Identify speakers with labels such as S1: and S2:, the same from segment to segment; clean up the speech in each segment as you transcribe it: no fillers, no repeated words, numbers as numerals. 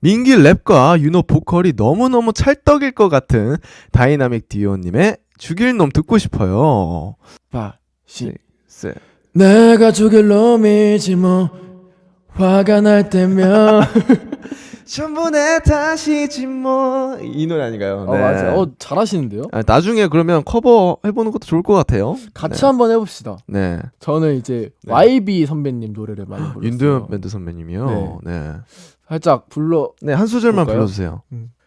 S1: 민기 랩과 윤호 보컬이 너무너무 찰떡일 것 같은 다이나믹 듀오님의 죽일 놈 듣고 싶어요.
S2: 5, 6,
S1: 7.
S2: 내가 죽일 놈이지 뭐 화가 날 때면
S1: 전부 내 탓이지 뭐. 이 노래 아닌가요? 네.
S2: 맞아. 잘하시는데요?
S1: 나중에 그러면 커버 해보는 것도 좋을 것 같아요.
S2: 같이
S1: 네.
S2: 한번 해봅시다.
S1: 네.
S2: 저는 이제
S1: 네.
S2: YB 선배님 노래를 많이 불렀어요.
S1: 윤도현 밴드 선배님이요. 네.
S2: 살짝 불러.
S1: 네, 한 소절만
S2: 볼까요?
S1: 불러주세요.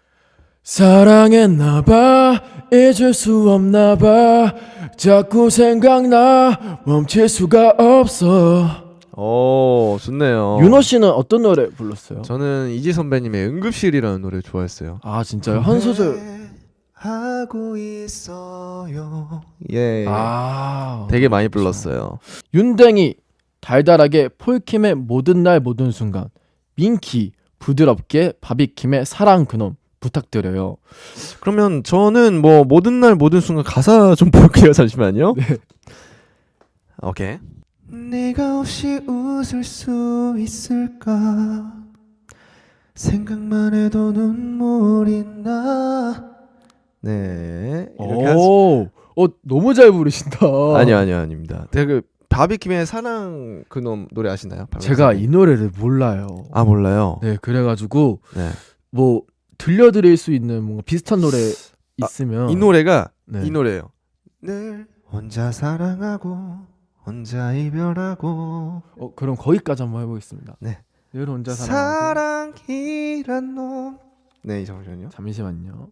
S2: 사랑했나봐 잊을 수 없나봐 자꾸 생각나 멈출 수가 없어.
S1: 오, 좋네요.
S2: 윤호 씨는 어떤 노래 불렀어요?
S1: 저는 이지 선배님의 응급실이라는 노래 좋아했어요.
S2: 아 진짜요? 한 소절.
S1: 하고 있어요. 예.
S2: 아
S1: 되게 많이 불렀어요.
S2: 윤댕이 달달하게 폴킴의 모든 날 모든 순간, 민키 부드럽게 바비킴의 사랑 그놈 부탁드려요.
S1: 그러면 저는 뭐 모든 날 모든 순간 가사 좀 볼게요. 잠시만요.
S2: 네.
S1: 오케이. 네가 없이 웃을 수 있을까? 생각만 해도 눈물이 나. 네. 이렇게
S2: 오, 너무 잘 부르신다.
S1: 아니요, 아닙니다. 그 바비킴의 사랑 그놈 노래 아시나요?
S2: 제가 이 노래를 몰라요.
S1: 아, 몰라요.
S2: 네, 그래가지고
S1: 네.
S2: 뭐 들려드릴 수 있는 뭔가 비슷한 노래 있으면
S1: 이 노래가
S2: 네.
S1: 이 노래예요. 늘 혼자 사랑하고 혼자 이별하고.
S2: 그럼 거기까지 한번 해보겠습니다.
S1: 네.
S2: 늘 혼자 사랑하고.
S1: 사랑이란 놈. 네, 잠시만요.
S2: 잠시만요.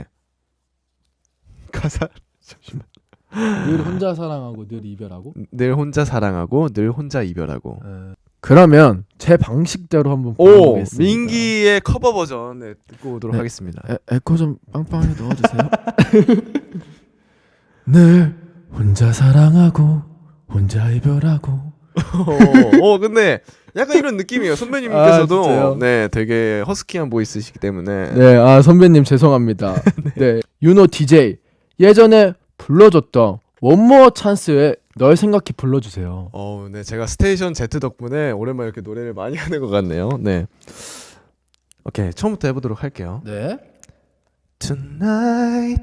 S1: 가사 잠시만.
S2: 늘 혼자 사랑하고 늘 이별하고.
S1: 늘 혼자 사랑하고 늘 혼자 이별하고.
S2: 그러면 제 방식대로 한번
S1: 오,
S2: 불러보겠습니다.
S1: 민기의 커버 버전 듣고 오도록
S2: 네.
S1: 하겠습니다.
S2: 에코 좀 빵빵하게 넣어주세요. 늘 혼자 사랑하고 혼자 이별하고.
S1: 근데 약간 이런 느낌이에요. 선배님께서도
S2: 진짜요?
S1: 네, 되게 허스키한 보이스시기 때문에.
S2: 네, 선배님 죄송합니다. 네, 윤호 DJ 예전에 불러줬던 원모어 찬스에 널 생각해 불러주세요.
S1: 네, 제가 스테이션 Z 덕분에 오랜만에 이렇게 노래를 많이 하는 것 같네요. 네, 오케이, 처음부터 해보도록 할게요.
S2: 네.
S1: Tonight,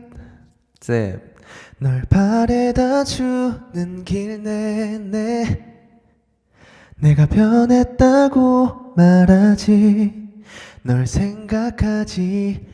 S1: 널 바래다 주는 길 내내 내가 변했다고 말하지 널 생각하지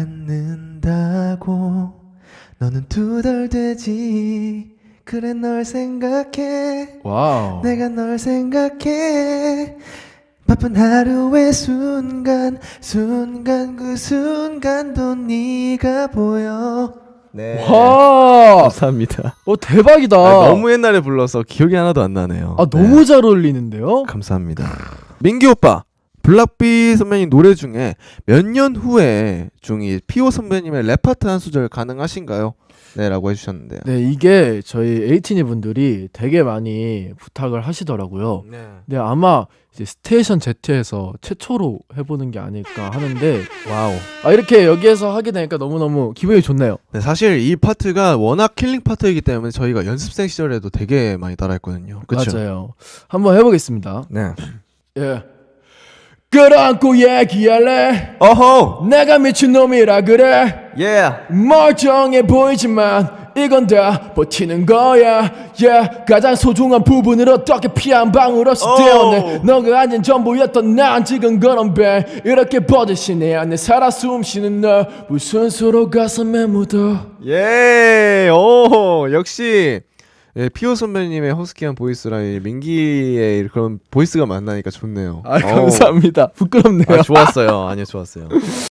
S1: 않는다고 너는 두덜대지 그래 널 생각해
S2: 와우.
S1: 내가 널 생각해 바쁜 하루의 순간 그 순간도 네가 보여. 네.
S2: 와.
S1: 감사합니다.
S2: 대박이다.
S1: 너무 옛날에 불러서 기억이 하나도 안 나네요.
S2: 너무 잘 어울리는데요.
S1: 감사합니다. 민기 오빠, 블락비 선배님 노래 중에 몇 년 후에 중이 피오 선배님의 랩 파트 한 소절 가능하신가요? 네, 라고 해주셨는데요.
S2: 네, 이게 저희 에이티니 분들이 되게 많이 부탁을 하시더라고요. 네, 아마 이제 스테이션 Z에서 최초로 해보는 게 아닐까 하는데,
S1: 와우.
S2: 이렇게 여기에서 하게 되니까 너무너무 기분이 좋네요.
S1: 네, 사실 이 파트가 워낙 킬링 파트이기 때문에 저희가 연습생 시절에도 되게 많이 따라했거든요. 그쵸?
S2: 맞아요. 한번 해보겠습니다.
S1: 네.
S2: 예. 끌어안고 얘기할래.
S1: 어호.
S2: 내가 미친놈이라 그래.
S1: 예.
S2: 멀쩡해 보이지만 이건 다 버티는 거야. 가장 소중한 부분을 어떻게 피 한 방울 없이 떼어내. 너가 아닌 전부였던 난 지금 그런 배 이렇게 버젓이 내 안에 살아 숨쉬는 너 무슨 수로 가슴에 묻어.
S1: 예. 오, 역시 피오 선배님의 허스키한 보이스랑 민기의 그런 보이스가 만나니까 좋네요.
S2: 감사합니다. 부끄럽네요.
S1: 좋았어요. 아니요, 좋았어요.